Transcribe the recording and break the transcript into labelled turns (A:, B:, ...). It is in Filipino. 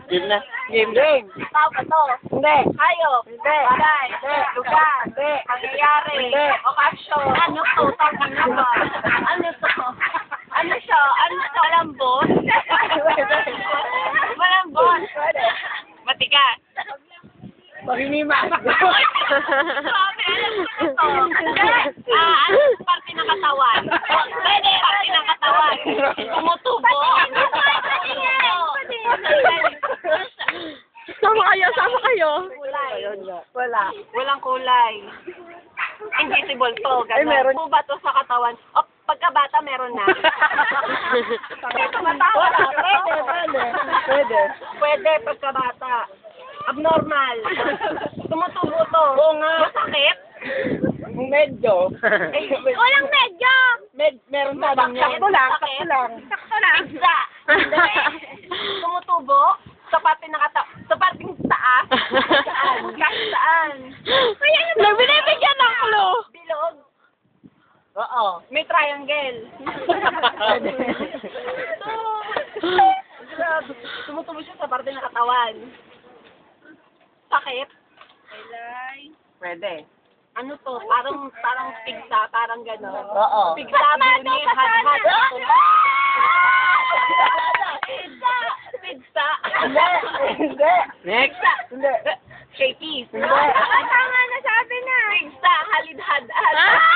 A: Game na.
B: Game.
C: Tao ba to?
B: Hindi.
C: Hayop.
B: Hindi.
C: Bagay.
B: Hindi.
C: Lugar.
B: Hindi.
C: Pangyayari.
B: Hindi.
C: Okasyon. Ano to? Tangin na ba? Ano to? Ano siya? Ano to? Malambot? Malambot. Matigas.
B: Paginimas.
C: Grabe, alam ko na to. Ano parte ng katawan? Pwede, parte ng katawan. Tumutubo.
D: Sama kayo.
C: Kulay.
B: Wala.
C: Walang kulay. Invisible to.
B: Ay, meron.
C: Ganun. Ba to sa katawan? O, pagkabata meron na.
B: Wala. Pwede.
C: Pwede pagkabata. Abnormal. Tumutubo to.
B: Oo nga.
C: Masakit?
B: Medyo.
C: Walang medyo.
B: Meron pa bang yan? Sakto lang.
C: Sakto lang. Pizza. Tumutubo. Sa parte ng sa parting taas. Saan?
D: Nagbinibigyan ng clue.
C: Bilog.
B: Oo.
C: May triangle. Grabe. Tumutubo siya sa parte ng katawan. Sakit.
B: Pwede.
C: Ano to? Parang pigsa, parang gano'n.
B: Oo.
C: Pigsa, buni, had. Pigsa.
B: Hindi.
A: Next.
B: Hindi.
C: Shakies.
B: Hindi.
C: Tama na, sabi na. Pigsa, halid-had.